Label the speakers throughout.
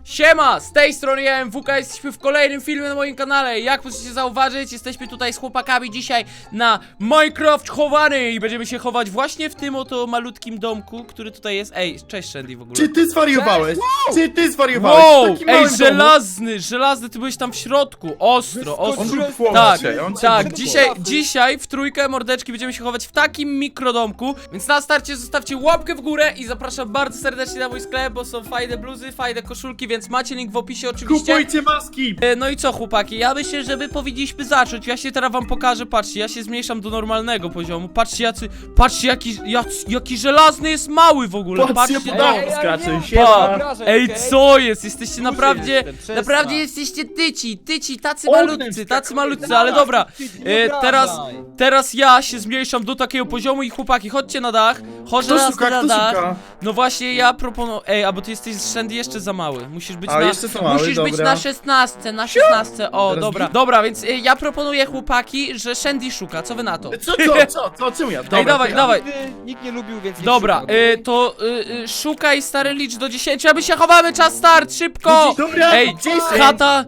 Speaker 1: Siema, z tej strony ja MWK, jesteśmy w kolejnym filmie na moim kanale. Jak możecie zauważyć, jesteśmy tutaj z chłopakami dzisiaj na Minecraft chowany i będziemy się chować właśnie w tym oto malutkim domku, który tutaj jest. Ej, cześć Shandy w ogóle.
Speaker 2: Czy ty zwariowałeś? Czy ty zwariowałeś?
Speaker 1: Wow,
Speaker 2: W takim
Speaker 1: ej,
Speaker 2: małym domu?
Speaker 1: żelazny, ty byłeś tam w środku, ostro.
Speaker 2: On był w
Speaker 1: Tak,
Speaker 2: chłopcie, on cię
Speaker 1: tak,
Speaker 2: wypłakał.
Speaker 1: dzisiaj w trójkę mordeczki będziemy się chować w takim mikrodomku, więc na starcie zostawcie łapkę w górę i zapraszam bardzo serdecznie na mój sklep, bo są fajne bluzy, fajne koszulki, więc macie link w opisie oczywiście.
Speaker 2: Kupujcie maski!
Speaker 1: No i co chłopaki, ja myślę, że my powinniśmy zacząć. Ja się teraz wam pokażę, patrzcie, ja się zmniejszam do normalnego poziomu. Patrzcie patrzcie jaki żelazny jest mały w ogóle.
Speaker 2: Patrzcie,
Speaker 1: Patrzcie
Speaker 2: po
Speaker 1: to.
Speaker 2: domu skacze,
Speaker 1: Pa.
Speaker 2: siema!
Speaker 1: Ej, co jest? Jesteście naprawdę,
Speaker 3: jestem, przestań.
Speaker 1: naprawdę jesteście tyci, tacy
Speaker 2: Ognem
Speaker 1: malutcy, ale dobra.
Speaker 3: Nie
Speaker 1: Teraz ja się zmniejszam do takiego poziomu i chłopaki, chodźcie na dach. Chodź
Speaker 2: Kto
Speaker 1: na
Speaker 2: szuka,
Speaker 1: na
Speaker 2: kto
Speaker 1: dach.
Speaker 2: szuka?
Speaker 1: No właśnie, ja proponuję. Ej, a bo ty jesteś z Shandy jeszcze za mały. Musisz być
Speaker 2: A, jeszcze za mały,
Speaker 1: musisz być
Speaker 2: dobra.
Speaker 1: na 16, na 16. O,
Speaker 2: Teraz
Speaker 1: dobra.
Speaker 2: git.
Speaker 1: Dobra, więc ja proponuję chłopaki, że Shandy szuka. Co wy na to?
Speaker 2: Co? Czemu ja? Dobra,
Speaker 1: Ej, dawaj,
Speaker 2: to ja.
Speaker 1: dawaj.
Speaker 3: Nikt nie lubił, więc nie
Speaker 1: Dobra,
Speaker 3: szukam.
Speaker 1: to szukaj stary, licz do 10, a my się chowamy, czas start, szybko!
Speaker 2: Dobra,
Speaker 1: Ej,
Speaker 2: 10,
Speaker 1: chata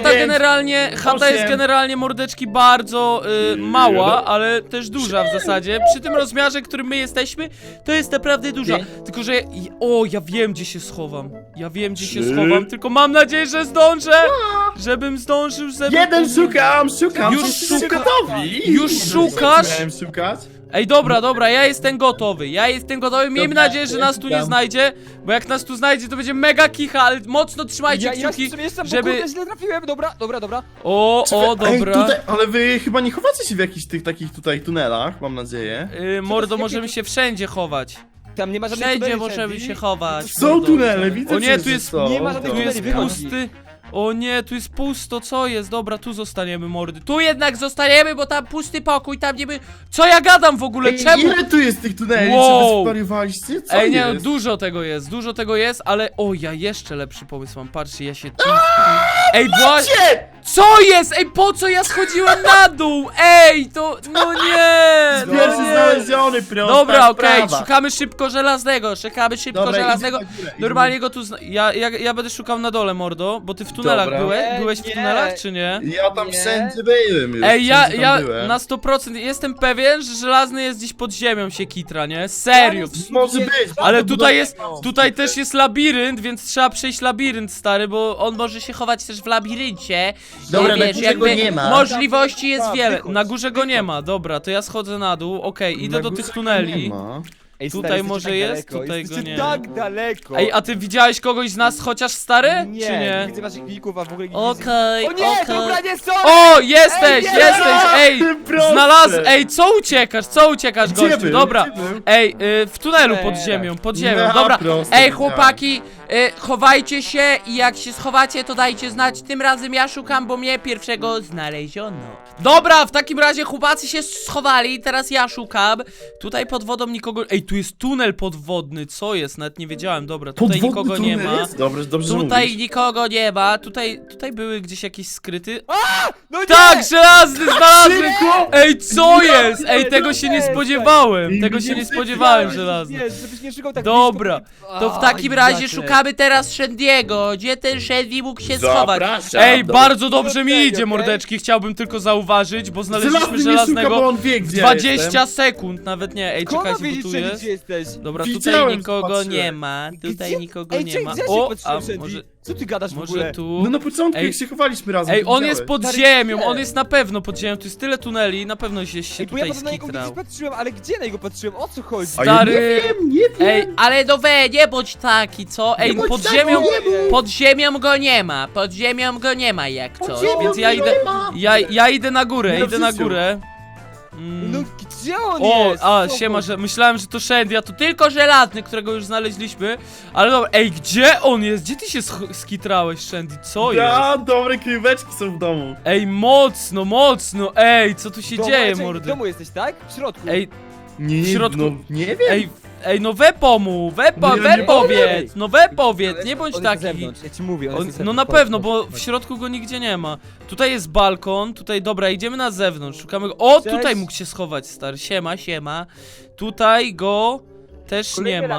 Speaker 1: jest
Speaker 2: 8,
Speaker 1: generalnie mordeczki bardzo mała, ale też duża w zasadzie. Przy tym rozmiarze, którym my jesteśmy, to jest naprawdę duża. Tylko, że ja wiem gdzie się schowam. Ja wiem gdzie się
Speaker 2: 3.
Speaker 1: schowam, tylko mam nadzieję, że zdążę. Żebym zdążył,
Speaker 2: Jeden szukam!
Speaker 1: Już
Speaker 2: Jesteście
Speaker 1: szuka-
Speaker 2: gotowi?
Speaker 1: Już szukasz?
Speaker 2: Miałem szukać?
Speaker 1: Ej, dobra, ja jestem gotowy. Miejmy
Speaker 2: Dobra,
Speaker 1: nadzieję, że
Speaker 2: ja
Speaker 1: nas tu nie
Speaker 2: szukam.
Speaker 1: znajdzie, bo jak nas tu znajdzie, to będzie mega kicha, ale mocno trzymajcie
Speaker 3: Ja
Speaker 1: kciuki,
Speaker 3: jeszcze jestem,
Speaker 1: żeby...
Speaker 3: bo kurde, źle trafiłem, dobra.
Speaker 1: O,
Speaker 2: Ej,
Speaker 1: dobra.
Speaker 2: tutaj, ale wy chyba nie chowacie się w jakichś tych takich tutaj tunelach, mam nadzieję.
Speaker 1: Mordo,
Speaker 3: jakie
Speaker 1: możemy
Speaker 3: tu-
Speaker 1: się wszędzie chować.
Speaker 3: Tam nie ma żadnych
Speaker 1: Wszędzie
Speaker 3: tuneli,
Speaker 1: możemy
Speaker 3: Sandy.
Speaker 1: się chować.
Speaker 2: Są
Speaker 1: mordo.
Speaker 2: tunele, widzę
Speaker 1: O nie,
Speaker 2: przecież,
Speaker 1: tu
Speaker 2: że
Speaker 1: jest-
Speaker 2: są.
Speaker 3: nie ma żadnych
Speaker 1: Tu
Speaker 2: Dobra.
Speaker 1: jest
Speaker 3: tuneli, wychodzi.
Speaker 1: pusty. O nie, tu jest pusto, co jest? Dobra, tu zostaniemy, mordy. Tu jednak zostaniemy, bo tam pusty pokój, tam nie by... Co ja gadam w ogóle?
Speaker 2: Ej,
Speaker 1: Czemu?
Speaker 2: ile tu jest tych tuneli?
Speaker 1: Wow.
Speaker 2: Czy wy zwariowaliście? Co
Speaker 1: Ej, nie, no,
Speaker 2: jest?
Speaker 1: dużo tego jest, ale... O, ja jeszcze lepszy pomysł mam, patrzcie, ja się tu... Ej, właśnie... Co jest? Ej, po co ja schodziłem na dół? Ej, to... No nie! No
Speaker 2: Pierwszy
Speaker 1: nie.
Speaker 2: znaleziony, prosta
Speaker 1: Dobra, okej,
Speaker 2: sprawa.
Speaker 1: szukamy szybko żelaznego,
Speaker 2: Dobra,
Speaker 1: żelaznego.
Speaker 2: idę na górę,
Speaker 1: Normalnie go tu ja będę szukał na dole, mordo, bo ty w tunelach
Speaker 2: Dobra.
Speaker 1: byłeś?
Speaker 3: Nie,
Speaker 1: Byłeś w
Speaker 3: nie.
Speaker 1: tunelach, czy nie?
Speaker 2: Ja tam
Speaker 3: Nie.
Speaker 2: wszędzie byłem już.
Speaker 1: Ej,
Speaker 2: wszędzie tam
Speaker 1: ja
Speaker 2: byłem.
Speaker 1: na 100% jestem pewien, że żelazny jest gdzieś pod ziemią się kitra, nie? Serio.
Speaker 2: Może być.
Speaker 1: Ale
Speaker 2: bardzo
Speaker 1: tutaj
Speaker 2: dobrze.
Speaker 1: tutaj też jest labirynt, więc trzeba przejść labirynt, stary, bo on może się chować też w labiryncie.
Speaker 2: Dobra,
Speaker 1: I
Speaker 2: na
Speaker 1: wiesz,
Speaker 2: górze
Speaker 1: jakby
Speaker 2: go nie ma.
Speaker 1: możliwości jest
Speaker 3: Tak,
Speaker 1: wiele.
Speaker 3: wychodź,
Speaker 1: Na górze go nie ma, dobra, to ja schodzę na dół, okej, idę
Speaker 2: Na
Speaker 1: do
Speaker 2: górze
Speaker 1: tych
Speaker 2: go
Speaker 1: tuneli.
Speaker 2: nie ma.
Speaker 3: Ej,
Speaker 1: Tutaj
Speaker 3: stary,
Speaker 1: może
Speaker 3: jesteście
Speaker 1: jest,
Speaker 3: tak daleko,
Speaker 1: tutaj go
Speaker 3: jesteście
Speaker 1: nie.
Speaker 3: tak daleko.
Speaker 1: Ej, a ty widziałeś kogoś z nas chociaż, stary?
Speaker 3: Nie,
Speaker 1: Czy nie?
Speaker 3: widzę waszych klików, a w ogóle nie
Speaker 1: Okej,
Speaker 3: widzę. O nie, dobra, nie są!
Speaker 1: O, jesteś,
Speaker 3: Ej, nie!
Speaker 1: ej!
Speaker 2: Proste.
Speaker 1: Ej, co uciekasz,
Speaker 2: Gdzie
Speaker 1: gościu?
Speaker 2: był?
Speaker 1: Dobra.
Speaker 2: Gdzie był?
Speaker 1: Ej, w tunelu pod
Speaker 3: Nie.
Speaker 1: ziemią,
Speaker 2: No,
Speaker 1: dobra.
Speaker 2: proste,
Speaker 1: Ej,
Speaker 2: wiedziałem.
Speaker 1: chłopaki, chowajcie się i jak się schowacie, to dajcie znać. Tym razem ja szukam, bo mnie pierwszego znaleziono. Dobra, w takim razie chłopacy się schowali, teraz ja szukam. Tutaj pod wodą nikogo... Ej, tu jest tunel podwodny, co jest? Nawet nie wiedziałem, dobra, tutaj
Speaker 2: Podwodny
Speaker 1: nikogo nie
Speaker 2: tunel
Speaker 1: ma.
Speaker 2: jest? Dobrze, dobrze
Speaker 1: Tutaj
Speaker 2: mówisz.
Speaker 1: nikogo nie ma, tutaj były gdzieś jakieś skryty...
Speaker 3: No nie!
Speaker 1: Tak, żelazny znalazłem!
Speaker 2: Szybko!
Speaker 1: Ej, co jest? Ej,
Speaker 3: nie,
Speaker 1: tego
Speaker 3: no
Speaker 1: się nie
Speaker 3: nie,
Speaker 1: spodziewałem.
Speaker 2: Ej,
Speaker 1: Tego
Speaker 2: nie
Speaker 1: się nie
Speaker 2: sypiałem,
Speaker 1: spodziewałem,
Speaker 3: Nie,
Speaker 1: żelazny.
Speaker 3: żebyś nie szukał tak
Speaker 1: Dobra,
Speaker 3: blisko.
Speaker 1: to w
Speaker 3: A,
Speaker 1: takim razie
Speaker 3: jakie.
Speaker 1: szukamy teraz Shandy'ego. Gdzie ten Shandy mógł się schować?
Speaker 2: Zapraszam.
Speaker 1: Ej,
Speaker 2: Dobra.
Speaker 1: bardzo dobrze mi
Speaker 3: Okej,
Speaker 1: idzie,
Speaker 3: okej.
Speaker 1: mordeczki. Chciałbym tylko zauważyć, bo znaleźliśmy
Speaker 2: Żelazny nie szuka, bo
Speaker 1: żelaznego
Speaker 2: on wie,
Speaker 1: w
Speaker 2: gdzie
Speaker 1: 20
Speaker 2: jestem.
Speaker 1: sekund, nawet nie. Ej,
Speaker 3: Skąd
Speaker 1: czekajcie,
Speaker 3: wiedzieć,
Speaker 1: bo tu
Speaker 3: Shandy,
Speaker 1: jest.
Speaker 3: gdzie jesteś?
Speaker 1: Dobra, tutaj
Speaker 2: Widziałem,
Speaker 1: nikogo
Speaker 2: patrzyłem.
Speaker 1: nie ma. Tutaj
Speaker 3: Gdzie?
Speaker 1: nikogo
Speaker 3: Ej,
Speaker 1: nie
Speaker 3: czekaj,
Speaker 1: ma.
Speaker 3: gdzie ja się
Speaker 1: O,
Speaker 3: patrzyłem,
Speaker 1: a
Speaker 3: Shandy?
Speaker 1: może
Speaker 3: Co ty gadasz w
Speaker 1: może
Speaker 3: ogóle?
Speaker 1: tu?
Speaker 2: No na początku,
Speaker 1: Ej.
Speaker 2: jak się chowaliśmy razem,
Speaker 1: Ej,
Speaker 2: to
Speaker 1: on jest
Speaker 2: widziałeś.
Speaker 1: pod
Speaker 3: Stary,
Speaker 1: ziemią,
Speaker 3: gdzie?
Speaker 1: on jest na pewno pod ziemią. Tu jest tyle tuneli, na pewno się
Speaker 3: Ej, bo ja
Speaker 1: tutaj
Speaker 3: na niego gdzieś
Speaker 1: skitrał.
Speaker 3: patrzyłem, ale gdzie na niego patrzyłem? O co chodzi?
Speaker 2: A ja
Speaker 1: Stary.
Speaker 2: nie wiem.
Speaker 1: Ej, ale no nie bądź taki, co? Ej,
Speaker 2: bądź
Speaker 1: pod
Speaker 2: taki,
Speaker 1: ziemią,
Speaker 2: nie bądź.
Speaker 1: pod ziemią go nie ma jak coś,
Speaker 2: ziemią
Speaker 1: więc ja
Speaker 2: go
Speaker 1: idę,
Speaker 2: nie ma.
Speaker 1: ja idę na górę,
Speaker 2: No
Speaker 1: idę na
Speaker 2: Krzysiu.
Speaker 1: górę.
Speaker 3: No gdzie on
Speaker 1: O,
Speaker 3: jest?
Speaker 1: a,
Speaker 3: Co
Speaker 1: siema,
Speaker 3: chodzi?
Speaker 1: że myślałem, że to Shandy, a to tylko żelazny, którego już znaleźliśmy. Ale dobra, ej, gdzie on jest? Gdzie ty się skitrałeś, Shandy? Co jest?
Speaker 2: Ja, dobre kryjóweczki są w domu.
Speaker 1: Ej, mocno, ej, co tu się
Speaker 3: Dobra,
Speaker 1: dzieje,
Speaker 3: czekaj,
Speaker 1: mordy?
Speaker 3: W domu jesteś, tak? W środku.
Speaker 1: Ej,
Speaker 2: Nie,
Speaker 1: W środku-
Speaker 2: no, nie wiem.
Speaker 1: ej, no we pomów, we
Speaker 2: Nie
Speaker 1: powiedz, no we powiedz, nie bądź
Speaker 3: On jest na
Speaker 1: taki.
Speaker 3: zewnątrz, ja ci mówię, on jest
Speaker 1: No
Speaker 3: na
Speaker 1: na
Speaker 3: zewnątrz.
Speaker 1: pewno, bo w środku go nigdzie nie ma. Tutaj jest balkon, tutaj, dobra, idziemy na zewnątrz, szukamy go. O,
Speaker 3: Cześć.
Speaker 1: tutaj mógł się schować, stary, siema. Tutaj go też nie
Speaker 3: Kolejny
Speaker 1: ma.
Speaker 3: labirynt.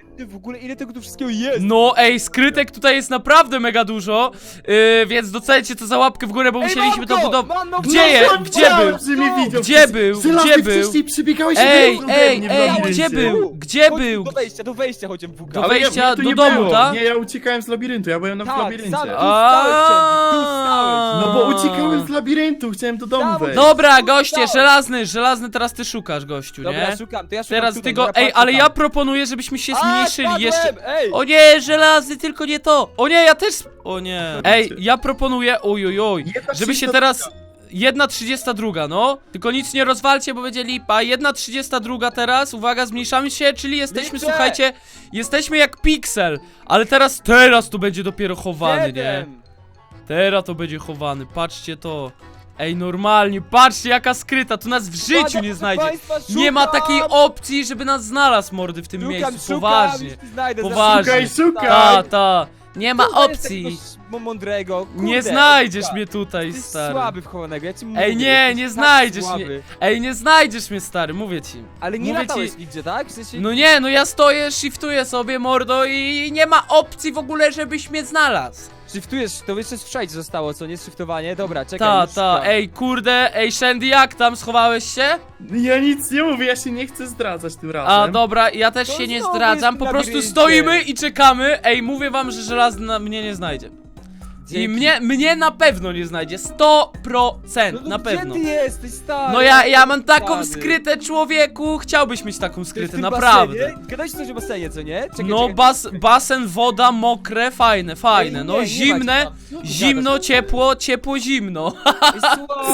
Speaker 3: Ty w ogóle ile tego tu wszystkiego jest?
Speaker 1: No ej, skrytek tutaj jest naprawdę mega dużo, więc docelcie to za łapkę w górę, bo musieliśmy to budować. Gdzie był?
Speaker 2: Że mnie widział.
Speaker 1: Gdzie był?
Speaker 2: Żelazny,
Speaker 1: Gdzie był?
Speaker 2: wcześniej przybiegałeś
Speaker 1: Ej,
Speaker 2: ode
Speaker 1: ej,
Speaker 2: mnie w
Speaker 1: ej,
Speaker 2: labiryncie.
Speaker 1: gdzie był? Gdzie
Speaker 3: Chodź
Speaker 1: był?
Speaker 3: Do wejścia chodzimy w
Speaker 1: Do
Speaker 2: Ale
Speaker 1: wejścia
Speaker 2: mnie tu
Speaker 1: do
Speaker 2: nie
Speaker 1: domu,
Speaker 2: było.
Speaker 1: tak?
Speaker 2: Nie, ja uciekałem z labiryntu, ja byłem w
Speaker 3: Tak,
Speaker 2: labiryncie.
Speaker 3: sam tu stałeś, tu stałeś.
Speaker 2: No bo uciekałem z labiryntu, chciałem do domu
Speaker 3: Dawaj.
Speaker 2: wejść.
Speaker 1: Dobra, goście, żelazny teraz ty szukasz, gościu,
Speaker 3: Dobra,
Speaker 1: nie?
Speaker 3: szukam, to ja szukam
Speaker 1: Teraz
Speaker 3: tutaj,
Speaker 1: ty go,
Speaker 3: dobra,
Speaker 1: ej,
Speaker 3: patrz,
Speaker 1: ale
Speaker 3: szukam.
Speaker 1: ja proponuję, żebyśmy się zmniejszyli
Speaker 3: spadłem,
Speaker 1: jeszcze.
Speaker 3: Ej!
Speaker 1: O nie, żelazny, tylko nie to. O nie, ja też. O nie. Ej, ja proponuję, oj, żeby się teraz. 1:32, no. Tylko nic nie rozwalcie, bo będzie lipa. 1:32 teraz, uwaga, zmniejszamy się, czyli jesteśmy,
Speaker 3: Liczę.
Speaker 1: słuchajcie, jesteśmy jak piksel. Ale teraz to będzie dopiero chowany, nie?
Speaker 3: 7.
Speaker 1: Teraz to będzie chowany, patrzcie to. Ej, normalnie, patrzcie jaka skryta, tu nas w życiu
Speaker 3: Uwaga,
Speaker 1: nie
Speaker 3: proszę
Speaker 1: znajdzie.
Speaker 3: państwa,
Speaker 1: Nie ma
Speaker 3: szukam.
Speaker 1: takiej opcji, żeby nas znalazł, mordy, w tym miejscu, poważnie.
Speaker 3: już znajdę,
Speaker 1: Poważnie.
Speaker 2: Szukaj.
Speaker 1: Ta, nie ma opcji.
Speaker 3: Mądrego. Kurde,
Speaker 1: Nie znajdziesz
Speaker 3: Edka.
Speaker 1: mnie tutaj,
Speaker 3: Ty jesteś
Speaker 1: stary.
Speaker 3: słaby w chowanego, ja ci mówię.
Speaker 1: Ej, nie
Speaker 3: jesteś tak
Speaker 1: znajdziesz
Speaker 3: słaby.
Speaker 1: mnie. Ej, nie znajdziesz mnie, stary, mówię ci.
Speaker 3: Ale nie
Speaker 1: Mówię
Speaker 3: latałeś
Speaker 1: ci-
Speaker 3: nigdzie, tak? W sensie...
Speaker 1: No nie, no ja stoję, shiftuję sobie, mordo, i nie ma opcji w ogóle, żebyś mnie znalazł.
Speaker 3: Shiftujesz, to jeszcze strzelić zostało, co nie? Shiftowanie? Dobra, czekaj. już
Speaker 1: Ta,
Speaker 3: szukam.
Speaker 1: ej, kurde, ej, Shandy, jak tam, schowałeś się?
Speaker 2: Ja nic nie mówię, ja się nie chcę zdradzać tym razem.
Speaker 1: A, dobra, ja też
Speaker 3: To
Speaker 1: się nie
Speaker 3: znowu
Speaker 1: zdradzam,
Speaker 3: jest
Speaker 1: po
Speaker 3: w
Speaker 1: prostu
Speaker 3: labiryncie.
Speaker 1: stoimy i czekamy. Ej, mówię wam, że żelazny mnie nie znajdzie. I
Speaker 3: Dzięki.
Speaker 1: mnie na pewno nie znajdzie, 100%,
Speaker 3: No,
Speaker 1: na pewno.
Speaker 3: Gdzie ty jesteś, stary?
Speaker 1: No ja mam taką
Speaker 3: Stary.
Speaker 1: skrytę, człowieku, chciałbyś mieć taką
Speaker 3: To jest
Speaker 1: skrytę,
Speaker 3: w tym
Speaker 1: naprawdę.
Speaker 3: basenie? Gadałeś coś o basenie, co nie? Czekaj,
Speaker 1: No,
Speaker 3: czekaj.
Speaker 1: basen, woda, mokre, fajne,
Speaker 3: Ej,
Speaker 1: no,
Speaker 3: nie ma
Speaker 1: zimne,
Speaker 3: cię tam. Co ty
Speaker 1: zimno,
Speaker 3: gadasz?
Speaker 1: ciepło, zimno.
Speaker 3: Ej, słabo,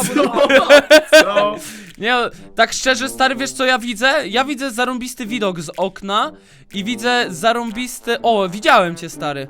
Speaker 2: Co?
Speaker 1: Nie, tak szczerze, stary, wiesz co ja widzę? Ja widzę zarąbisty widok z okna i widzę zarąbisty... O, widziałem cię, stary.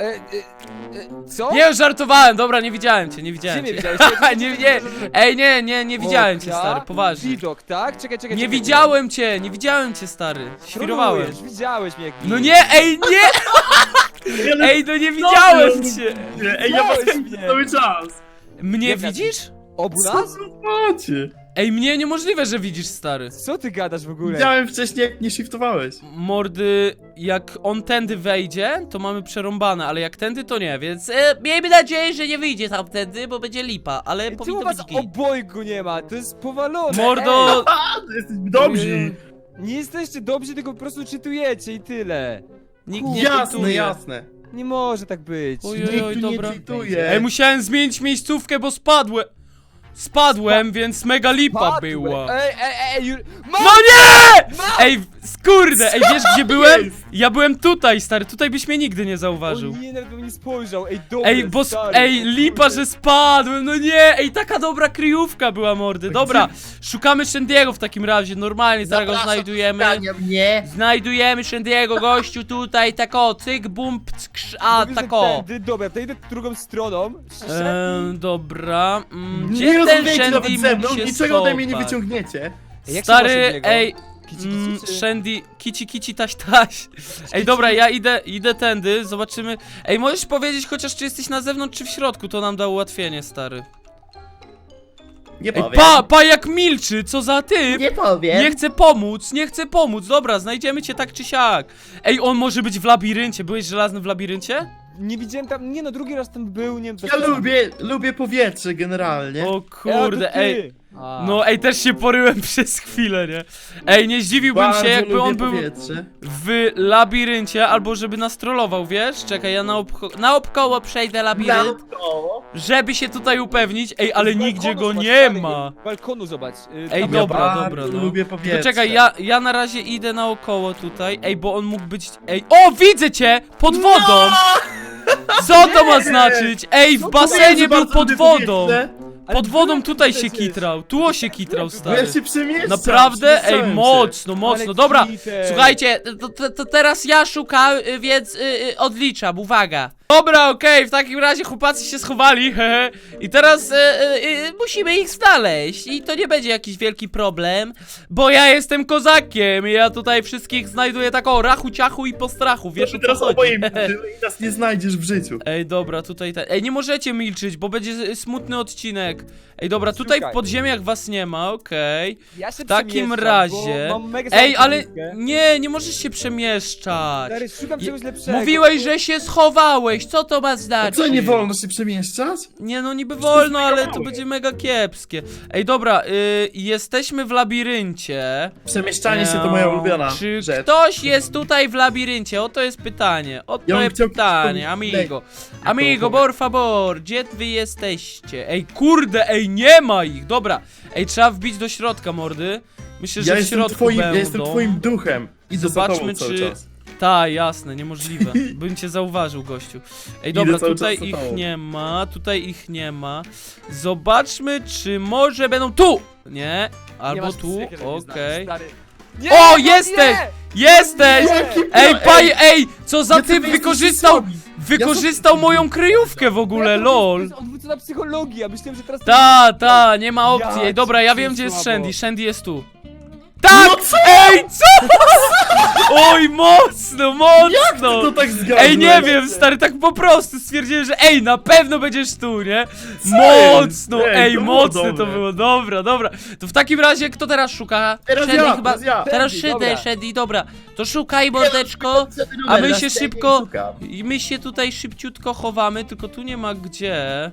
Speaker 3: Co?
Speaker 1: Nie, żartowałem, dobra, nie widziałem cię, nie
Speaker 3: Gdzie
Speaker 1: widziałem
Speaker 3: mnie
Speaker 1: cię.
Speaker 3: widziałeś?
Speaker 1: nie, ej, nie widziałem cię,
Speaker 3: Okna,
Speaker 1: stary, poważnie.
Speaker 3: Widok, tak? Czekaj.
Speaker 1: Nie widziałem cię, stary, świrowałem.
Speaker 3: Trolujesz, widziałeś mnie jak
Speaker 1: No nie, ej, nie! Ej, no nie widziałem cię!
Speaker 2: Ej, ja was
Speaker 3: Widziałeś mnie.
Speaker 2: cały czas.
Speaker 1: Mnie
Speaker 3: Jak ja
Speaker 1: widzisz?
Speaker 3: Obu
Speaker 2: Co
Speaker 3: nas?
Speaker 2: za macie?
Speaker 1: Ej, mnie niemożliwe, że widzisz, stary.
Speaker 3: Co ty gadasz w ogóle?
Speaker 2: Widziałem wcześniej, jak nie shiftowałeś.
Speaker 1: Mordy, jak on tędy wejdzie, to mamy przerąbane, ale jak tędy, to nie, więc miejmy nadzieję, że nie wyjdzie tamtędy, bo będzie lipa, ale
Speaker 3: Ej, czemu
Speaker 1: powinno
Speaker 3: was
Speaker 1: być git.
Speaker 3: obojgu nie ma? To jest powalone.
Speaker 1: Mordo,
Speaker 2: A, to jesteś dobrzy.
Speaker 3: Ej, nie jesteście dobrzy, tylko po prostu czytujecie i tyle.
Speaker 1: nikt nie
Speaker 2: Jasne,
Speaker 1: czytuje.
Speaker 2: jasne.
Speaker 3: Nie może tak być.
Speaker 1: Oj,
Speaker 2: Nikt tu nie
Speaker 1: dobra.
Speaker 2: tweetuje.
Speaker 1: Ej, musiałem zmienić miejscówkę, bo spadłem, więc mega lipa była.
Speaker 3: Ej,
Speaker 1: No nie! Ej, skurde, ej, wiesz gdzie byłem?
Speaker 2: Jest.
Speaker 1: Ja byłem tutaj, stary, tutaj byś mnie nigdy nie zauważył.
Speaker 3: O nie, nawet bym nie spojrzał. Ej, dobra,
Speaker 1: Ej, bo
Speaker 3: stary,
Speaker 1: ej,
Speaker 3: o
Speaker 1: lipa,
Speaker 3: kurde.
Speaker 1: że spadłem, no nie, ej, taka dobra kryjówka była, mordy. Dobra, szukamy Shandy'ego w takim razie, normalnie, zaraz go znajdujemy. Znajdujemy Shandy'ego, gościu, tutaj, tako, cyk, bum, ckrz, a,
Speaker 3: Mówię, że
Speaker 1: tako.
Speaker 3: tędy, dobra, to idę drugą stroną.
Speaker 1: Dobra,
Speaker 2: Nie
Speaker 1: gdzie ten
Speaker 2: rozmawiajcie nawet
Speaker 1: Shandy
Speaker 2: ze
Speaker 1: mógł
Speaker 2: mną,
Speaker 1: się
Speaker 2: niczego ode mnie nie
Speaker 1: schować?
Speaker 2: wyciągniecie.
Speaker 3: Ej, jak się
Speaker 1: Stary,
Speaker 3: masz od niego?
Speaker 1: ej,
Speaker 3: Kici, czy-
Speaker 1: Shandy, kici, taś. Ej, dobra, ja idę tędy, zobaczymy. Ej, możesz powiedzieć chociaż, czy jesteś na zewnątrz, czy w środku, to nam da ułatwienie, stary.
Speaker 2: Nie
Speaker 1: Ej,
Speaker 2: powiem.
Speaker 1: pa jak milczy, co za typ!
Speaker 2: Nie powiem.
Speaker 1: Nie chcę pomóc, dobra, znajdziemy cię tak czy siak. Ej, on może być w labiryncie, byłeś żelazny w labiryncie?
Speaker 3: Nie widziałem tam, nie no, drugi raz tam był, nie wiem.
Speaker 2: Ja lubię powietrze generalnie.
Speaker 1: O kurde, ej. No ej, też się poryłem przez chwilę, nie? Ej, nie zdziwiłbym
Speaker 2: Bardzo
Speaker 1: się, jakby
Speaker 2: lubię
Speaker 1: on był
Speaker 2: powietrze.
Speaker 1: w labiryncie, albo żeby nas trollował, wiesz? Czekaj, ja naokoło przejdę labirynt,
Speaker 2: Naokoło.
Speaker 1: żeby się tutaj upewnić. Ej, ale
Speaker 3: Z
Speaker 1: nigdzie
Speaker 3: balkonu
Speaker 1: go
Speaker 3: zobacz,
Speaker 1: nie
Speaker 3: stary,
Speaker 1: ma.
Speaker 3: Balkonu zobacz.
Speaker 1: Ej,
Speaker 3: tam-
Speaker 1: dobra,
Speaker 2: bardzo
Speaker 1: dobra, no.
Speaker 2: lubię powietrze.
Speaker 1: Tylko czekaj, ja na razie idę naokoło tutaj. Ej, bo on mógł być... Ej, o, widzę cię! Pod wodą! Co to ma znaczyć? Ej, w
Speaker 3: No,
Speaker 1: basenie był
Speaker 2: Bardzo
Speaker 1: pod
Speaker 2: lubię
Speaker 1: wodą!
Speaker 2: powietrze,
Speaker 3: Ale
Speaker 1: Pod wodą
Speaker 3: byłem
Speaker 1: tutaj się
Speaker 3: przecież.
Speaker 1: kitrał, tu się kitrał,
Speaker 2: Bo
Speaker 1: stary.
Speaker 2: ja się przemieszczam.
Speaker 1: Naprawdę? Ej,
Speaker 2: przemieszczałem się.
Speaker 1: mocno,
Speaker 3: Ale
Speaker 1: dobra.
Speaker 3: cheater.
Speaker 1: Słuchajcie, to teraz ja szukam, więc odliczam, uwaga. Dobra, okej, w takim razie chłopacy się schowali, hehe. I teraz musimy ich znaleźć. I to nie będzie jakiś wielki problem, bo ja jestem kozakiem i ja tutaj wszystkich znajduję tak o rachu, ciachu i po strachu, wiesz o co
Speaker 2: Teraz
Speaker 1: chodzi.
Speaker 2: oboje milczymy i nas nie znajdziesz w życiu.
Speaker 1: Ej, dobra, tutaj Ej, nie możecie milczyć, bo będzie smutny odcinek. Ej, dobra, tutaj w
Speaker 3: Szukaj.
Speaker 1: podziemiach was nie ma, okej.
Speaker 3: Ja się
Speaker 1: W takim
Speaker 3: przemieszczam,
Speaker 1: razie...
Speaker 3: bo mam mega
Speaker 1: Ej,
Speaker 3: słabą
Speaker 1: ale...
Speaker 3: technikę.
Speaker 1: Nie możesz się przemieszczać.
Speaker 3: Stary, szukam czegoś lepszego.
Speaker 1: Mówiłeś, że się schowałeś, co to ma
Speaker 2: A
Speaker 1: znaczyć?
Speaker 2: co, nie wolno się przemieszczać?
Speaker 1: Nie no, niby
Speaker 2: Przecież to jest
Speaker 1: wolno,
Speaker 2: mega
Speaker 1: ale to
Speaker 2: małe.
Speaker 1: będzie mega kiepskie. Ej, dobra, jesteśmy w labiryncie.
Speaker 2: Przemieszczanie się to moja ulubiona
Speaker 1: Czy
Speaker 2: rzecz.
Speaker 1: ktoś jest tutaj w labiryncie? Oto jest pytanie. Oto
Speaker 2: Ja bym
Speaker 1: jest
Speaker 2: chciał
Speaker 1: pytanie,
Speaker 2: ktoś
Speaker 1: amigo.
Speaker 2: powiedzieć.
Speaker 1: Amigo, por favor, gdzie wy jesteście? Ej, kurde, ej, nie ma ich. Dobra, ej, trzeba wbić do środka, mordy. Myślę, że
Speaker 2: Ja
Speaker 1: w
Speaker 2: jestem
Speaker 1: środku
Speaker 2: twoim,
Speaker 1: będą.
Speaker 2: ja jestem twoim duchem. Idę za
Speaker 1: Zobaczmy,
Speaker 2: tobą cały
Speaker 1: czy-
Speaker 2: czas.
Speaker 1: Tak, jasne, niemożliwe. Bym cię zauważył, gościu. Ej,
Speaker 2: Idę
Speaker 1: dobra,
Speaker 2: cały
Speaker 1: tutaj
Speaker 2: czas za
Speaker 1: ich
Speaker 2: tobą.
Speaker 1: nie ma, tutaj ich nie ma. Zobaczmy, czy może będą tu! Nie,
Speaker 3: Nie
Speaker 1: albo
Speaker 3: masz
Speaker 1: tu,
Speaker 3: psychy, żeby mnie znaleźć,
Speaker 1: okej.
Speaker 3: stary. Nie,
Speaker 1: O,
Speaker 3: no
Speaker 1: jesteś!
Speaker 3: nie!
Speaker 1: Jesteś!
Speaker 2: Jaki
Speaker 1: Ej,
Speaker 2: pro-
Speaker 1: paj, ej, co za
Speaker 2: Ja
Speaker 1: typ
Speaker 2: ty
Speaker 1: wykorzystał,
Speaker 2: jesteś
Speaker 1: wykorzystał
Speaker 2: Ja
Speaker 1: moją kryjówkę w ogóle,
Speaker 3: To
Speaker 1: lol.
Speaker 3: jest odwrócona psychologia, myślałem, że teraz...
Speaker 1: Ta, nie ma opcji.
Speaker 3: Ja
Speaker 1: Ej, dobra, ja
Speaker 3: cię
Speaker 1: wiem, gdzie jest
Speaker 3: słabo.
Speaker 1: Shandy. Shandy jest tu. Tak!
Speaker 2: No co?
Speaker 1: Ej, co? Oj, mocno, mocno!
Speaker 2: To tak zgadza.
Speaker 1: Ej, nie wiem, stary, tak po prostu stwierdziłem, że ej, na pewno będziesz tu, nie?
Speaker 2: Co
Speaker 1: Mocno,
Speaker 2: jest?
Speaker 1: ej,
Speaker 2: to było
Speaker 1: mocne to
Speaker 2: dobre.
Speaker 1: było, dobra. To w takim razie, kto teraz szuka?
Speaker 2: Teraz
Speaker 1: Shandy
Speaker 2: ja,
Speaker 1: chyba.
Speaker 2: teraz ja.
Speaker 1: Teraz
Speaker 3: Shandy, dobra.
Speaker 1: Shandy, dobra. To szukaj, mordeczko. A my się szybko. I my się tutaj szybciutko chowamy, tylko tu nie ma gdzie.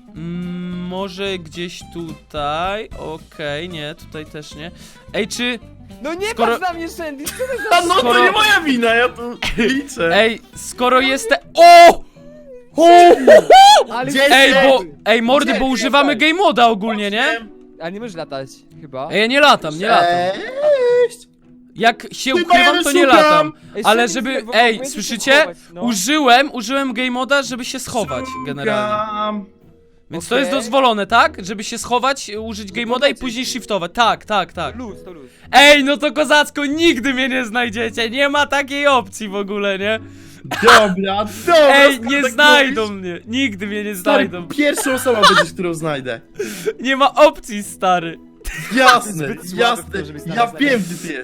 Speaker 1: Może gdzieś tutaj. Okej, nie, tutaj też nie. Ej, czy.
Speaker 3: No nie
Speaker 1: Skoro-
Speaker 3: patrz na mnie, Shandy! Co to
Speaker 2: A
Speaker 3: za...
Speaker 2: no
Speaker 1: Skoro-
Speaker 2: to nie moja wina, ja tu liczę.
Speaker 1: Ej, skoro jestem. O!
Speaker 3: Ale...
Speaker 2: Gdzie
Speaker 1: Ej,
Speaker 2: jest?
Speaker 1: bo. Ej, mordy,
Speaker 3: Gdzie
Speaker 1: bo
Speaker 3: ty
Speaker 1: używamy
Speaker 3: jesteś?
Speaker 1: game moda ogólnie, nie?
Speaker 3: A nie możesz latać, chyba.
Speaker 1: Ej, ja nie latam, nie latam.
Speaker 2: Cześć.
Speaker 1: Jak się
Speaker 2: Tylko
Speaker 1: ukrywam,
Speaker 2: ja
Speaker 1: to nie
Speaker 2: szukam.
Speaker 1: latam.
Speaker 3: Ej,
Speaker 1: Ale
Speaker 3: Shandy,
Speaker 1: żeby.
Speaker 3: bo
Speaker 1: Ej,
Speaker 3: powinieneś się
Speaker 1: słyszycie?
Speaker 3: schować, no.
Speaker 1: Użyłem game moda, żeby się schować generalnie.
Speaker 2: Szukam.
Speaker 1: Więc to jest
Speaker 3: Okej.
Speaker 1: dozwolone, tak? Żeby się schować, użyć game moda i później shiftować. Tak.
Speaker 3: Luz, to luz.
Speaker 1: Ej, no to kozacko, nigdy mnie nie znajdziecie. Nie ma takiej opcji w ogóle, nie?
Speaker 2: Dobra.
Speaker 1: Ej,
Speaker 2: skoro
Speaker 1: nie
Speaker 2: tak
Speaker 1: znajdą
Speaker 2: mówisz,
Speaker 1: mnie. Nigdy mnie nie
Speaker 2: Stary,
Speaker 1: znajdą.
Speaker 2: pierwszą osobą będziesz, którą znajdę.
Speaker 1: Nie ma opcji, stary.
Speaker 2: Jasne,
Speaker 3: Zbyt słaby w
Speaker 2: jasne.
Speaker 3: to, żeby
Speaker 2: Ja
Speaker 3: znaleźć
Speaker 2: wiem, gdzie ty jesteś.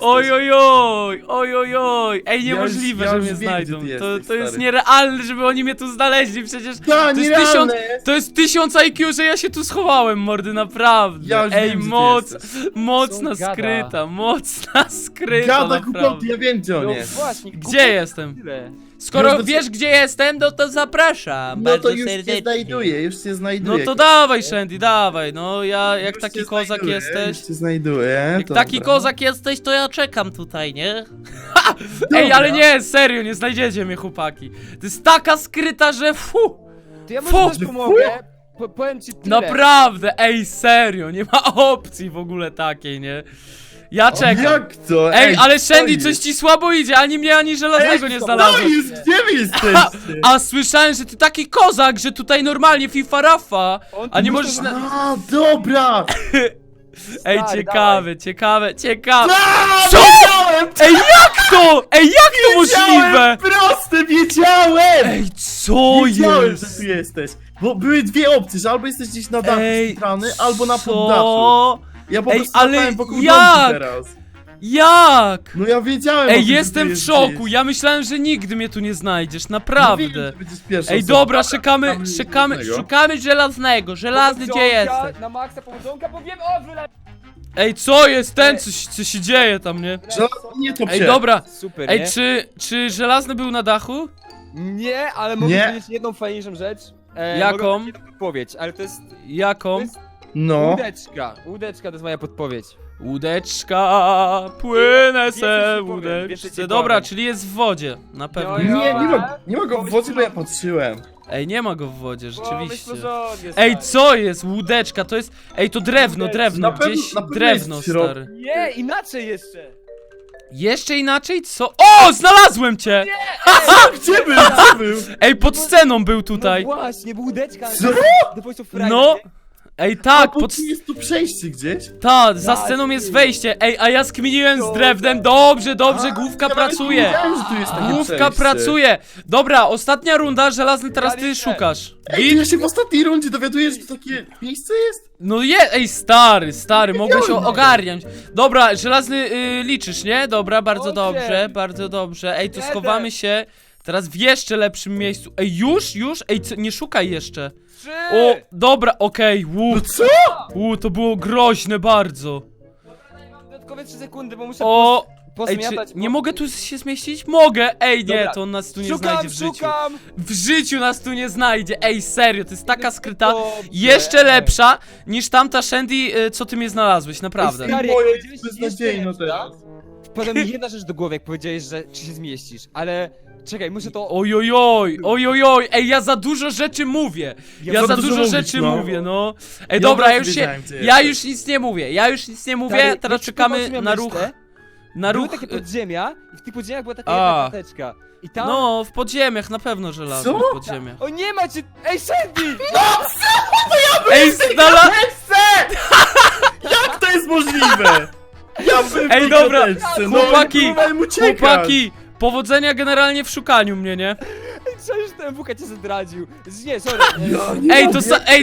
Speaker 1: Oj. Ej, niemożliwe,
Speaker 2: ja
Speaker 1: że
Speaker 2: już
Speaker 1: mnie
Speaker 2: wiem,
Speaker 1: znajdą.
Speaker 2: gdzie ty
Speaker 1: To
Speaker 2: jesteś,
Speaker 1: jest
Speaker 2: stary.
Speaker 1: nierealne, żeby oni mnie tu znaleźli. Przecież
Speaker 2: Ta,
Speaker 1: to jest
Speaker 2: nierealne
Speaker 1: 1000,
Speaker 2: jest.
Speaker 1: to jest 1000 IQ, że ja się tu schowałem, mordy, naprawdę.
Speaker 2: Ja już
Speaker 1: Ej,
Speaker 2: wiem, gdzie ty jesteś.
Speaker 1: mocna
Speaker 3: Co on gada?
Speaker 1: skryta, mocna skryta,
Speaker 2: Gada głupoty,
Speaker 1: naprawdę.
Speaker 2: ja wiem, gdzie on
Speaker 3: No
Speaker 2: jest.
Speaker 3: właśnie,
Speaker 1: Gdzie jestem?
Speaker 3: tyle.
Speaker 1: Skoro
Speaker 2: Już
Speaker 1: wiesz, gdzie jestem, no to zapraszam.
Speaker 2: No
Speaker 1: bardzo
Speaker 2: to już
Speaker 1: serdecznie.
Speaker 2: cię znajduję, już cię
Speaker 1: No
Speaker 2: znajduję.
Speaker 1: to dawaj, Shandy, dawaj. No ja, jak
Speaker 2: Już
Speaker 1: taki
Speaker 2: cię
Speaker 1: kozak
Speaker 2: znajduję,
Speaker 1: jesteś.
Speaker 2: Już cię znajduję.
Speaker 1: Jak taki kozak jesteś, to ja czekam tutaj, nie?
Speaker 2: Dobra.
Speaker 1: Ej, ale nie, serio, nie znajdziecie mnie, chłopaki. To jest taka skryta, że fu!
Speaker 3: To ja
Speaker 1: Fu!
Speaker 3: może też pomogę. Powiem ci tyle.
Speaker 1: Naprawdę, ej, serio, nie ma opcji w ogóle takiej, nie? Ja czekam.
Speaker 2: Jak to?
Speaker 1: Ej, ale
Speaker 2: co
Speaker 1: Shandy,
Speaker 2: jest?
Speaker 1: coś ci słabo idzie, ani mnie, ani żelaznego nie
Speaker 2: No
Speaker 1: znalazłem.
Speaker 2: jest, gdzie wy jesteście?
Speaker 1: A słyszałem, że ty taki kozak, że tutaj normalnie FIFA Rafa.
Speaker 3: On
Speaker 1: A nie
Speaker 3: tu
Speaker 1: możesz
Speaker 3: muszę-
Speaker 1: na...
Speaker 2: A, dobra!
Speaker 1: Ej,
Speaker 3: Stary,
Speaker 1: ciekawe.
Speaker 2: A,
Speaker 1: Co?
Speaker 2: wiedziałem!
Speaker 1: Ej, jak to? Ej, jak to możliwe?
Speaker 2: Wiedziałem, proste, wiedziałem!
Speaker 1: Ej, co
Speaker 2: Wiedziałem,
Speaker 1: jest?
Speaker 2: że tu jesteś. Bo były dwie opcje, że albo jesteś gdzieś na dachu
Speaker 1: Ej,
Speaker 2: centralny, albo na
Speaker 1: co?
Speaker 2: poddaszu. Ja po
Speaker 1: Ej,
Speaker 2: prostu
Speaker 1: ale
Speaker 2: latałem wokół
Speaker 1: jak?
Speaker 2: domku teraz.
Speaker 1: Jak?
Speaker 2: No ja wiedziałem. o
Speaker 1: Ej,
Speaker 2: tym, że
Speaker 1: jestem
Speaker 2: ty
Speaker 1: w szoku,
Speaker 2: jesteś.
Speaker 1: ja myślałem, że nigdy mnie tu nie znajdziesz,
Speaker 2: No wiem,
Speaker 1: naprawdę.
Speaker 2: że będziesz pierwszą
Speaker 1: Ej,
Speaker 2: osobą.
Speaker 1: dobra,
Speaker 2: Szukamy
Speaker 1: szukamy
Speaker 2: żelaznego.
Speaker 1: żelaznego. Żelazny, gdzie
Speaker 3: Powodzonka,
Speaker 1: jesteś?
Speaker 3: Na maksa powodzonka, bo wiem, o, wyla...
Speaker 1: Ej, co jest ten, co się dzieje tam, nie?
Speaker 2: Nie to
Speaker 1: Ej, dobra.
Speaker 3: Super,
Speaker 1: Ej,
Speaker 3: nie?
Speaker 1: czy żelazny był na dachu?
Speaker 3: Nie, ale mogę
Speaker 2: Nie.
Speaker 3: powiedzieć jedną fajniejszą rzecz.
Speaker 1: Jaką?
Speaker 3: Mogę dać jedną podpowiedź, ale to jest
Speaker 1: Jaką?
Speaker 3: To jest-
Speaker 2: No.
Speaker 3: łódeczka. Łódeczka to jest moja podpowiedź.
Speaker 1: Łódeczka, płynę
Speaker 3: Więcej
Speaker 1: se
Speaker 3: ci powiem, więcej
Speaker 1: łódeczce.
Speaker 3: ci
Speaker 1: Dobra,
Speaker 3: powiem.
Speaker 1: czyli jest w wodzie, na pewno.
Speaker 3: Jo,
Speaker 2: Nie,
Speaker 3: jo.
Speaker 2: nie ma go w wodzie, bo ja patrzyłem.
Speaker 1: Ej, nie ma go w wodzie, rzeczywiście.
Speaker 3: Pomyśl porządnie,
Speaker 1: Ej,
Speaker 3: stary.
Speaker 1: co jest? Łódeczka, to jest... Ej, to drewno,
Speaker 2: Na pewno-
Speaker 1: gdzieś
Speaker 2: na pewno
Speaker 1: drewno,
Speaker 2: jest w środku.
Speaker 1: stary.
Speaker 3: Nie, inaczej jeszcze.
Speaker 1: Jeszcze inaczej? Co? O, znalazłem cię!
Speaker 2: Gdzie był? Gdzie był?
Speaker 1: Ej, pod sceną był tutaj.
Speaker 3: No właśnie, bo łódeczka.
Speaker 2: Co?
Speaker 3: The Voice of Friday,
Speaker 1: No.
Speaker 3: nie?
Speaker 1: Ej, tak,
Speaker 2: Bo tu jest tu przejście gdzieś.
Speaker 1: za sceną jest wejście. Ej, a ja skminiłem z drewnem. Dobrze, główka
Speaker 2: Ja nawet nie
Speaker 1: pracuje.
Speaker 2: wiedziałem, że tu jest takie
Speaker 1: Główka
Speaker 2: przejście.
Speaker 1: pracuje. Dobra, ostatnia runda, żelazny, teraz ty
Speaker 3: Daliście.
Speaker 1: szukasz.
Speaker 2: Ej, ja się w ostatniej rundzie dowiaduję, że tu takie miejsce jest?
Speaker 1: No ej, stary, mogłeś ogarniać. Dobra, żelazny liczysz, nie? Dobra, bardzo
Speaker 3: Dobrze.
Speaker 1: dobrze, bardzo dobrze. Ej, to
Speaker 3: Jeden.
Speaker 1: schowamy się teraz w jeszcze lepszym miejscu. Ej, już? Ej, nie szukaj jeszcze.
Speaker 3: 3!
Speaker 1: O, dobra, okej,
Speaker 2: No co?
Speaker 1: to było groźne bardzo.
Speaker 3: Dodatkowe 3 sekundy, bo muszę
Speaker 1: O, ej, czy
Speaker 3: pozmiatać.
Speaker 1: nie mogę tu się zmieścić? Mogę! Ej, nie,
Speaker 3: Dobra.
Speaker 1: to on nas tu nie
Speaker 3: Szukam,
Speaker 1: znajdzie w życiu.
Speaker 3: szukam!
Speaker 1: W życiu nas tu nie znajdzie. Ej, serio, to jest taka skryta,
Speaker 3: Dobrze.
Speaker 1: jeszcze lepsza niż tamta Shandy, co ty mnie znalazłeś, naprawdę.
Speaker 3: Stary,
Speaker 2: Moje
Speaker 3: jak
Speaker 2: jest
Speaker 3: powiedziałeś
Speaker 2: beznadziejne
Speaker 3: jeszcze
Speaker 2: teraz.
Speaker 3: Wpadła mi jedna rzecz do głowy, jak powiedziałeś, że czy się zmieścisz, ale czekaj, muszę to...
Speaker 1: Ojojoj, ej, ja za dużo rzeczy mówię. Ja za dużo
Speaker 2: mówisz,
Speaker 1: rzeczy
Speaker 2: no.
Speaker 1: mówię, no. Ej,
Speaker 2: Ja
Speaker 1: dobra,
Speaker 2: od
Speaker 1: ja
Speaker 2: razu
Speaker 1: już się,
Speaker 2: wiedziałem, gdzie
Speaker 1: ja
Speaker 2: jesteś.
Speaker 1: już nic nie mówię,
Speaker 3: Stary,
Speaker 1: teraz
Speaker 3: jak
Speaker 1: czekamy
Speaker 3: przypomniał,
Speaker 1: na
Speaker 3: co
Speaker 1: ruch,
Speaker 3: myślę,
Speaker 1: na
Speaker 3: Były
Speaker 1: ruch,
Speaker 3: takie podziemia i w tych podziemiach była taka
Speaker 1: A.
Speaker 3: jedna karteczka. I tam...
Speaker 1: no, w podziemiach, na pewno żelaznych
Speaker 2: Co?
Speaker 1: podziemiach.
Speaker 3: O nie macie... Ej, Sandy!
Speaker 1: Ej,
Speaker 2: Jak to jest możliwe? Ja bym
Speaker 1: Ej,
Speaker 2: w tej
Speaker 1: dobra,
Speaker 2: krateczce, no,
Speaker 1: chłopaki,
Speaker 2: próbowałem uciekać.
Speaker 1: chłopaki, powodzenia generalnie w szukaniu mnie, nie?
Speaker 3: Przecież ten WK cię zdradził. Nie, sorry.
Speaker 2: Ja nie
Speaker 1: Ej,
Speaker 2: mogę,
Speaker 1: to ej,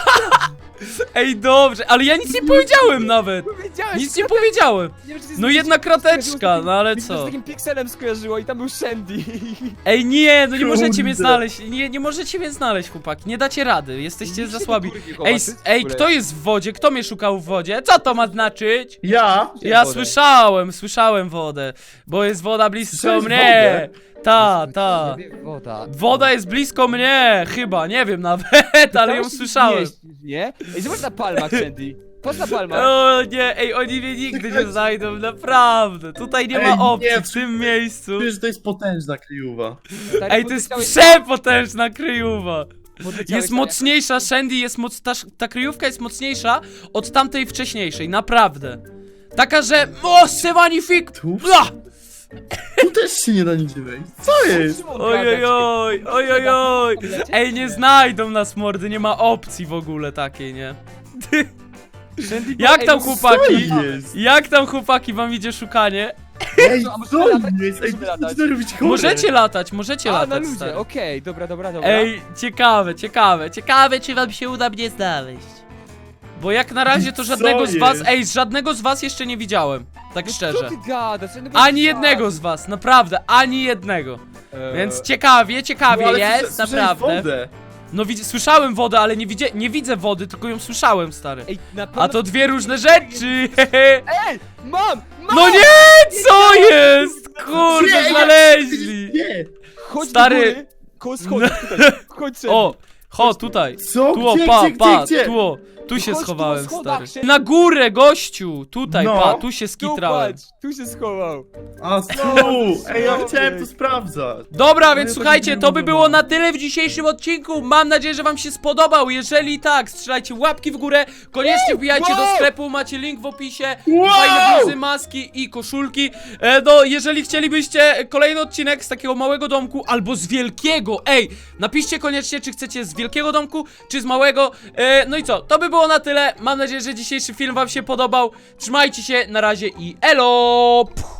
Speaker 1: ej, dobrze, ale ja nic nie powiedziałem nawet.
Speaker 3: Powiedziałeś,
Speaker 1: Nic nie powiedziałem.
Speaker 3: nie wiem, czy ty
Speaker 1: No jedna krateczka, no ale
Speaker 3: Mi się to
Speaker 1: co?
Speaker 3: z takim pikselem skojarzyło i tam był Sandy.
Speaker 1: Ej, nie, no nie możecie
Speaker 2: Kurde.
Speaker 1: mnie znaleźć, nie możecie mnie znaleźć, chłopaki, nie dacie rady, jesteście za słabi. Ej, kto jest w wodzie? Kto mnie szukał w wodzie? Co to ma znaczyć?
Speaker 2: Ja?
Speaker 1: Ja
Speaker 3: wodę?
Speaker 1: słyszałem wodę, bo jest woda blisko
Speaker 2: Słyszałeś
Speaker 1: mnie. Ta.
Speaker 3: Woda.
Speaker 1: Woda jest blisko mnie, chyba, nie wiem nawet, ale ją
Speaker 3: Tam się
Speaker 1: słyszałem.
Speaker 3: mieścisz, nie? Ej, zobacz na palmach, Sandy. Patrz na palmach.
Speaker 1: O nie, ej, oni mnie nigdy nie znajdą, naprawdę. Tutaj nie
Speaker 2: Ej,
Speaker 1: ma opcji
Speaker 2: nie,
Speaker 1: w tym miejscu.
Speaker 2: Wiesz, że to jest potężna kryjówa.
Speaker 3: Stary,
Speaker 1: Ej, to jest
Speaker 3: podleciałeś-
Speaker 1: przepotężna kryjówa.
Speaker 3: podleciałeś
Speaker 1: Jest
Speaker 3: tam
Speaker 1: mocniejsza, Shandy jest ta kryjówka jest mocniejsza od tamtej wcześniejszej, naprawdę. Taka, że... O, c'est magnifique!
Speaker 2: Tu?
Speaker 1: Bla!
Speaker 2: Tu też się nie da nigdzie wejść. Co jest?
Speaker 1: Ojojoj. Ej, nie znajdą nas, mordy, nie ma opcji w ogóle takiej, nie?
Speaker 3: Sandy,
Speaker 1: Jak
Speaker 3: ej,
Speaker 1: tam,
Speaker 3: no
Speaker 1: chłopaki?
Speaker 2: Co jest?
Speaker 1: Jak tam, chłopaki, wam idzie szukanie?
Speaker 2: Ej,
Speaker 3: A możemy
Speaker 2: co
Speaker 3: latać?
Speaker 2: jest? Ej,
Speaker 3: Możemy latać?
Speaker 2: co robić chore?
Speaker 1: Możecie latać,
Speaker 3: A, na
Speaker 1: latać,
Speaker 3: ludzie,
Speaker 1: stary.
Speaker 3: okej, dobra.
Speaker 1: Ej, ciekawe, czy wam się uda mnie znaleźć. Bo jak na razie to
Speaker 2: Co
Speaker 1: żadnego z was,
Speaker 2: jest?
Speaker 1: ej, żadnego z was jeszcze nie widziałem. Tak
Speaker 3: No
Speaker 1: szczerze.
Speaker 3: co ty gadasz? Żadnego
Speaker 1: Ani
Speaker 3: nie
Speaker 1: jednego z was, naprawdę, ani jednego.
Speaker 3: Eee,
Speaker 1: Więc ciekawie
Speaker 2: No, ale
Speaker 1: jest,
Speaker 2: słyszałeś
Speaker 1: naprawdę.
Speaker 2: wodę.
Speaker 1: No słyszałem wodę, ale nie widzę wody, tylko ją słyszałem, stary.
Speaker 3: Ej, na pewno...
Speaker 1: A to dwie różne rzeczy. hehe.
Speaker 3: Ej, mam!
Speaker 1: No nie, co jest?
Speaker 2: Nie,
Speaker 1: Kurde,
Speaker 2: ja-
Speaker 1: znaleźli.
Speaker 2: Nie!
Speaker 3: Chodź
Speaker 1: Stary.
Speaker 3: do góry, koło schodów, tutaj. Chodź, Sandy.
Speaker 1: O, tutaj.
Speaker 2: Co?
Speaker 1: Tu,
Speaker 2: Gdzie,
Speaker 1: pa,
Speaker 2: gdzie,
Speaker 1: pa,
Speaker 2: gdzie?
Speaker 1: tu się
Speaker 3: Chodź tu
Speaker 1: schowałem,
Speaker 3: po schodach,
Speaker 1: stary.
Speaker 3: Shane.
Speaker 1: Na górę, gościu, tutaj,
Speaker 2: No.
Speaker 1: pa, tu się
Speaker 3: Tu
Speaker 1: skitrałem.
Speaker 3: patrz, tu się schował.
Speaker 2: A tu! Ej, ja chciałem to sprawdzać.
Speaker 1: Dobra,
Speaker 2: No
Speaker 1: więc
Speaker 2: ja
Speaker 1: słuchajcie,
Speaker 2: tak
Speaker 1: to by
Speaker 2: nie
Speaker 1: było
Speaker 2: mam.
Speaker 1: na tyle w dzisiejszym odcinku. Mam nadzieję, że wam się spodobał. Jeżeli tak, strzelajcie łapki w górę. Koniecznie wbijajcie do
Speaker 2: Wow!
Speaker 1: sklepu, macie link w opisie.
Speaker 2: Wow!
Speaker 1: Fajne bluzy, maski i koszulki. No, jeżeli chcielibyście kolejny odcinek z takiego małego domku albo z wielkiego, ej, napiszcie koniecznie, czy chcecie z wielkiego domku, czy z małego. No i co, to by było na tyle. Mam nadzieję, że dzisiejszy film wam się podobał. Trzymajcie się, na razie i elo!